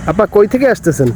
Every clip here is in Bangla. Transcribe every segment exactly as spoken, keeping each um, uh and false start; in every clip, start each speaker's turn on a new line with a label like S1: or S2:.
S1: আপা কই থেকে আসতেছেন?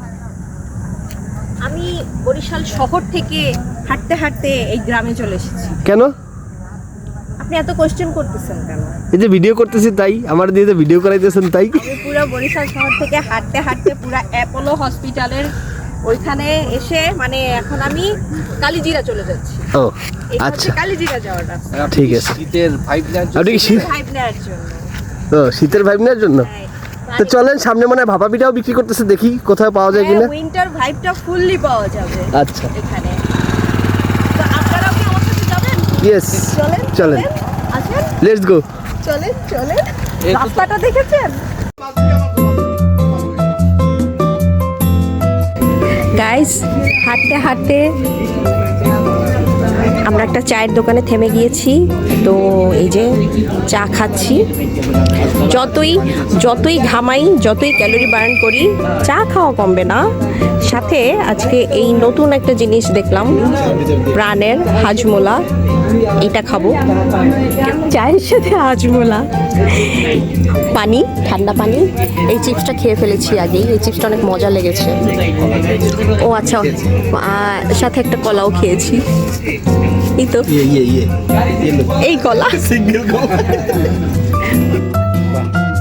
S2: আমি বরিশাল শহর থেকে হাঁটতে হাঁটতে এই গ্রামে চলে এসেছি।
S1: কেন?
S2: আপনি এত কোশ্চেন করতেছেন কেন?
S1: এই যে ভিডিও করতেছি তাই, আমার দিয়ে যে ভিডিও করাইতেছেন তাই।
S2: আমি পুরো বরিশাল শহর থেকে হাঁটতে হাঁটতে পুরো অ্যাপোলো হসপিটালের ওইখানে এসে মানে এখন আমি কালিজিরা চলে যাচ্ছি।
S1: ও
S2: এটা
S1: আচ্ছা,
S2: হচ্ছে কালিজিরা যাওয়ার রাস্তা।
S1: ঠিক আছে।
S3: শীতের ভাইব নেওয়ার জন্য
S1: আপনি কি শীত
S2: ভাইব নেওয়ার জন্য।
S1: ও শীতের ভাইব নেওয়ার জন্য?
S2: হ্যাঁ,
S1: তো চলেন, সামনে মনে হয় ভাপা পিঠাও বিক্রি করতেছে, দেখি কোথায় পাওয়া যায় কিনা।
S2: উইন্টার ভাইবটা ফুললি পাওয়া যাবে
S1: আচ্ছা
S2: এখানে। তো আপনারাও কি আমার সাথে যাবেন?
S1: ইয়েস,
S2: চলেন
S1: চলেন,
S2: আসেন,
S1: লেটস গো।
S2: চলেন চলেন। রাস্তাটা দেখেছেন? গাইস, হাঁটতে হাঁটতে আমরা একটা চায়ের দোকানে থেমে গিয়েছি। তো এই যে চা খাচ্ছি। যতই যতই ঘামাই, যতই ক্যালোরি বার্ন করি, চা খাওয়া কমবে না। সাথে আজকে এই নতুন একটা জিনিস দেখলাম, প্রাণের হাজমোলা। এটা খাবো চায়ের সাথে, হাজমোলা, পানি, ঠান্ডা পানি। এই চিপসটা খেয়ে ফেলেছি আগেই, এই চিপসটা অনেক মজা লেগেছে। ও আচ্ছা, আহ, সাথে একটা কলাও খেয়েছি। এই তো এই কলা।
S1: সিঙ্গেল গো।